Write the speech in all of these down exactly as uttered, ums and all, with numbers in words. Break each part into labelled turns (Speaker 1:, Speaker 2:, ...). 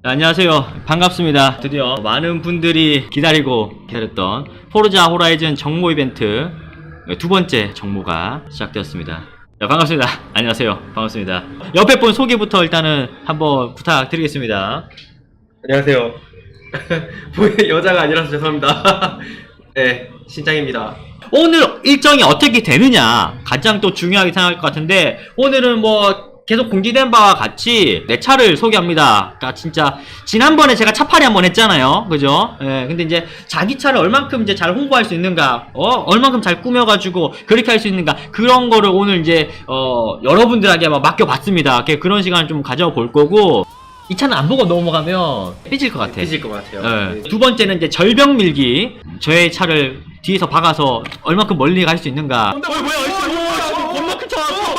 Speaker 1: 안녕하세요. 반갑습니다. 드디어 많은 분들이 기다리고 기다렸던 포르자 호라이즌 정모 이벤트 두 번째 정모가 시작되었습니다. 자, 반갑습니다. 안녕하세요. 반갑습니다. 옆에 분 소개부터 일단은 한번 부탁드리겠습니다.
Speaker 2: 안녕하세요. 여자가 아니라서 죄송합니다. 네, 신장입니다.
Speaker 1: 오늘 일정이 어떻게 되느냐 가장 또 중요하게 생각할 것 같은데, 오늘은 뭐 계속 공지된 바와 같이 내 차를 소개합니다. 그러니까 진짜 지난번에 제가 차팔이 한번 했잖아요, 그죠? 예, 근데 이제 자기 차를 얼만큼 이제 잘 홍보할 수 있는가, 어, 얼만큼 잘 꾸며가지고 그렇게 할 수 있는가, 그런 거를 오늘 이제 어 여러분들에게 막 맡겨봤습니다. 그런 시간을 좀 가져볼 거고, 이 차는 안 보고 넘어가면 삐질 것 같아.
Speaker 2: 삐질 것 같아요.
Speaker 1: 예.
Speaker 2: 네.
Speaker 1: 두 번째는 이제 절벽 밀기. 저의 차를 뒤에서 박아서 얼만큼 멀리 갈 수 있는가. 어, 뭐야, 뭐야, 겁나 큰 차 왔어.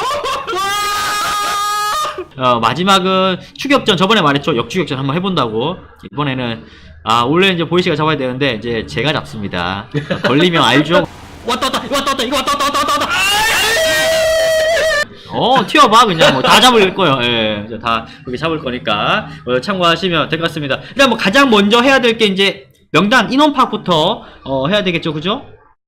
Speaker 1: 어, 마지막은 추격전. 저번에 말했죠, 역추격전 한번 해본다고. 이번에는 아 원래 이제 보이시가 잡아야 되는데 이제 제가 잡습니다. 걸리면 알죠. 왔다 왔다 왔다 왔다 이거 왔다 왔다 왔다 왔다. 어 튀어봐 그냥 뭐 다 잡을 거예요. 예, 이제 다 그렇게 잡을 거니까 어, 참고하시면 될 것 같습니다. 일단 뭐 가장 먼저 해야 될 게 이제 명단 인원 파악부터 어, 해야 되겠죠, 그죠?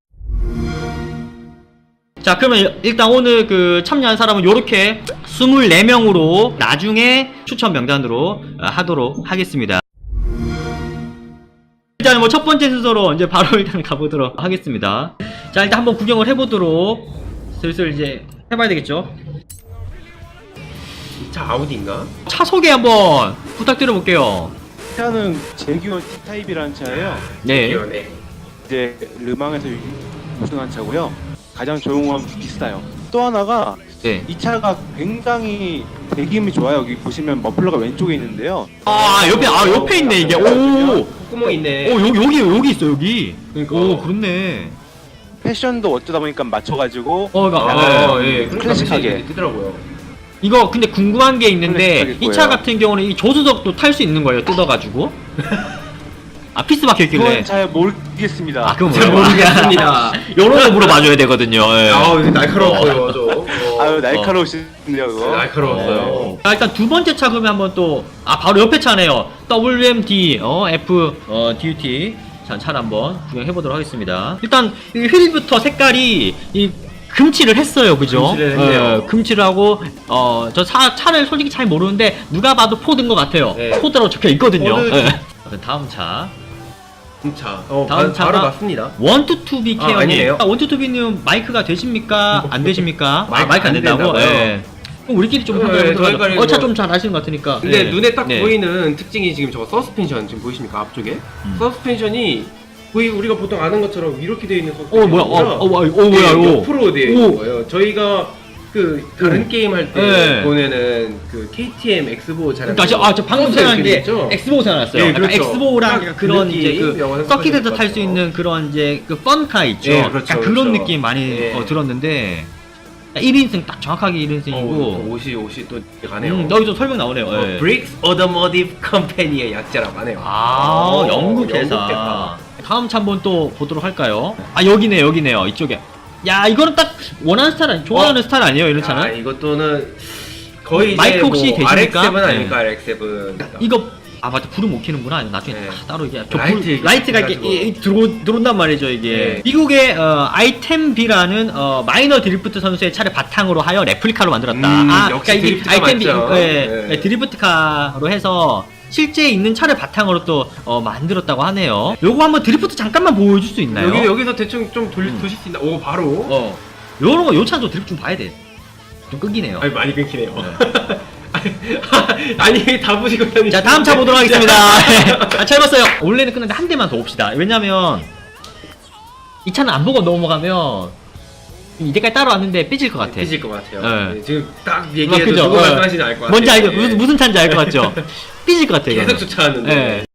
Speaker 1: 자, 그러면 일단 오늘 그 참여한 사람은 요렇게 이십사 명으로 나중에 추천 명단으로 어, 하도록 하겠습니다. 일단 뭐 첫 번째 순서로 이제 바로 일단 가보도록 하겠습니다. 자, 일단 한번 구경을 해보도록 슬슬 이제 해봐야 되겠죠?
Speaker 2: 차 아우디인가?
Speaker 1: 차 소개 한번 부탁드려볼게요.
Speaker 3: 차는 제규어 T타입이라는 차예요.
Speaker 1: 네.
Speaker 2: 네.
Speaker 3: 이제 르망에서 우승한 차고요. 가장 조용하고 비싸요. 또 하나가
Speaker 1: 네.
Speaker 3: 이 차가 굉장히 배기음이 좋아요. 여기 보시면 머플러가 왼쪽에 있는데요.
Speaker 1: 아, 옆에, 아, 옆에 있네, 이게. 오!
Speaker 2: 구멍 있네.
Speaker 1: 오, 여기, 여기, 여기 있어, 여기.
Speaker 2: 그러니까.
Speaker 1: 오, 그렇네.
Speaker 3: 패션도 어쩌다 보니까 맞춰가지고
Speaker 1: 어, 그러니까,
Speaker 3: 약간
Speaker 1: 어,
Speaker 2: 예,
Speaker 3: 클래식하게.
Speaker 2: 뜨더라고요.
Speaker 1: 이거 근데 궁금한 게 있는데,
Speaker 3: 클래식하게
Speaker 1: 이 차
Speaker 3: 보여요.
Speaker 1: 같은 경우는 이 조수석도 탈 수 있는 거예요, 뜯어가지고. 아, 피스 박혀있길래.
Speaker 3: 그건 잘 모르겠습니다.
Speaker 1: 아, 그건
Speaker 2: 잘 모르겠습니다.
Speaker 1: 요런 거 물어봐줘야 되거든요. 예.
Speaker 2: 아우, 이거 날카로웠어요, 저. 어.
Speaker 3: 아유 날카로우시네요 그거.
Speaker 2: 날카로웠어요.
Speaker 1: 어. 자, 일단 두 번째 차 그러면 한번 또, 아, 바로 옆에 차네요. 더블유엠디, 어, F, 어, 디유티. 자, 차를 한번 구경해보도록 하겠습니다. 일단, 이 휠부터 색깔이, 이, 금칠을 했어요, 그죠?
Speaker 2: 금칠을 했네요.
Speaker 1: 어, 금칠을 하고, 어, 저 차, 차를 솔직히 잘 모르는데, 누가 봐도 포드인 것 같아요.
Speaker 2: 네.
Speaker 1: 포드라고 적혀 있거든요.
Speaker 2: 포드.
Speaker 1: 예. 다음 차.
Speaker 2: 차. 어,
Speaker 1: 다음
Speaker 2: 바,
Speaker 1: 차가
Speaker 2: 바로 맞습니다.
Speaker 1: 원투투비
Speaker 2: 아,
Speaker 1: 케어님.
Speaker 2: 아니네요.
Speaker 1: 원투투비님 마이크가 되십니까? 안 되십니까?
Speaker 2: 마이크
Speaker 1: 아, 마이크 안
Speaker 2: 안
Speaker 1: 된다고?
Speaker 2: 된다고요?
Speaker 1: 예. 그럼 우리끼리 좀
Speaker 2: 어,
Speaker 1: 한번
Speaker 2: 예,
Speaker 1: 해보도록
Speaker 2: 저희가
Speaker 1: 하죠. 어, 차
Speaker 2: 뭐-
Speaker 1: 좀 잘 아시는 것 같으니까.
Speaker 2: 근데
Speaker 1: 네.
Speaker 2: 눈에 딱
Speaker 1: 네.
Speaker 2: 보이는 특징이 지금 저거 서스펜션 지금 보이십니까? 앞쪽에?
Speaker 1: 음.
Speaker 2: 서스펜션이 거의 우리가 보통 아는 것처럼 이렇게 되어 있는 서스펜션이
Speaker 1: 어, 뭐야, 어, 어, 어, 어, 뭐야, 이거.
Speaker 2: 옆으로 되어
Speaker 1: 오.
Speaker 2: 있는 거예요. 저희가 그 다른
Speaker 1: 오.
Speaker 2: 게임 할 때
Speaker 1: 네.
Speaker 2: 보내는 그 케이티엠 엑스보 차량.
Speaker 1: 그러니까 저, 아, 저 방금 생각한 게 엑스보 생각났어요.
Speaker 2: 네,
Speaker 1: 약간
Speaker 2: 그렇죠.
Speaker 1: 엑스보랑
Speaker 2: 딱
Speaker 1: 약간
Speaker 2: 그
Speaker 1: 그런
Speaker 2: 느낌,
Speaker 1: 이제 그
Speaker 2: 영화에서
Speaker 1: 서킷에서
Speaker 2: 봤을
Speaker 1: 탈 수
Speaker 2: 것
Speaker 1: 있는 그런 이제 그 펀카 있죠.
Speaker 2: 네, 그렇죠,
Speaker 1: 약간 그런
Speaker 2: 그렇죠.
Speaker 1: 느낌 많이
Speaker 2: 네.
Speaker 1: 어, 들었는데 일 인승 딱 정확하게 일 인승이고.
Speaker 2: 어, 옷이 옷이 또 가네요.
Speaker 1: 음, 여기서 설명 나오네요.
Speaker 2: 어,
Speaker 1: 예.
Speaker 2: 브릭스 오토모티브 컴퍼니의 약자라고 하네요.
Speaker 1: 아,
Speaker 2: 어,
Speaker 1: 영국 회사.
Speaker 2: 영국 회사.
Speaker 1: 다음 차 한번 또 보도록 할까요? 아, 여기네, 여기네요. 이쪽에. 야, 이거는 딱 원하는 스타일, 아니, 좋아하는
Speaker 2: 어?
Speaker 1: 스타일 아니에요, 이런
Speaker 2: 아,
Speaker 1: 차는?
Speaker 2: 이것도는 거의
Speaker 1: 마이크
Speaker 2: 이제
Speaker 1: 혹시
Speaker 2: 뭐
Speaker 1: 계십니까?
Speaker 2: 알엑스세븐
Speaker 1: 네.
Speaker 2: 아닙니까? 알엑스세븐.
Speaker 1: 이거, 아, 맞다. 불을 못 켜는구나. 나중에
Speaker 2: 네.
Speaker 1: 다 따로 이게. 저
Speaker 2: 라이트
Speaker 1: 불,
Speaker 2: 이렇게
Speaker 1: 라이트가 이렇게
Speaker 2: 해가지고.
Speaker 1: 이- 이 들어, 들어온단 말이죠, 이게.
Speaker 2: 네.
Speaker 1: 미국의, 어, 아이템비라는, 어, 마이너 드리프트 선수의 차를 바탕으로 하여 레플리카로 만들었다.
Speaker 2: 음,
Speaker 1: 아,
Speaker 2: 역시
Speaker 1: 이게
Speaker 2: 드리프트카
Speaker 1: 아이템비,
Speaker 2: 맞죠.
Speaker 1: 예,
Speaker 2: 네.
Speaker 1: 예, 드리프트카로 해서 실제 있는 차를 바탕으로 또, 어, 만들었다고 하네요. 요거 한번 드리프트 잠깐만 보여줄 수 있나요?
Speaker 2: 여기 여기서 대충 좀 돌,
Speaker 1: 음.
Speaker 2: 도실 수 있나? 오 바로.
Speaker 1: 어. 요런 거, 요 차는 좀 드리프트 좀 봐야 돼. 좀 끄기네요.
Speaker 2: 아니 많이 끊기네요. 아니 다 보시고 다니.
Speaker 1: 자, 다음 차 보도록 하겠습니다. 아, 잘 봤어요. 원래는 끝났는데 한 대만 더 봅시다. 왜냐면 이 차는 안 보고 넘어가면 이제까지 따라왔는데 삐질 것 같아.
Speaker 2: 삐질 것 같아요.
Speaker 1: 네.
Speaker 2: 네, 지금 딱
Speaker 1: 아,
Speaker 2: 얘기해도
Speaker 1: 그죠?
Speaker 2: 누구
Speaker 1: 어.
Speaker 2: 말씀하시는지 알 것 같아요.
Speaker 1: 뭔지 알죠?
Speaker 2: 네.
Speaker 1: 무슨, 무슨 차인지 알 것 같죠? 삐질 것 같아, 이거.
Speaker 2: 계속 쫓아왔는데.
Speaker 1: 네.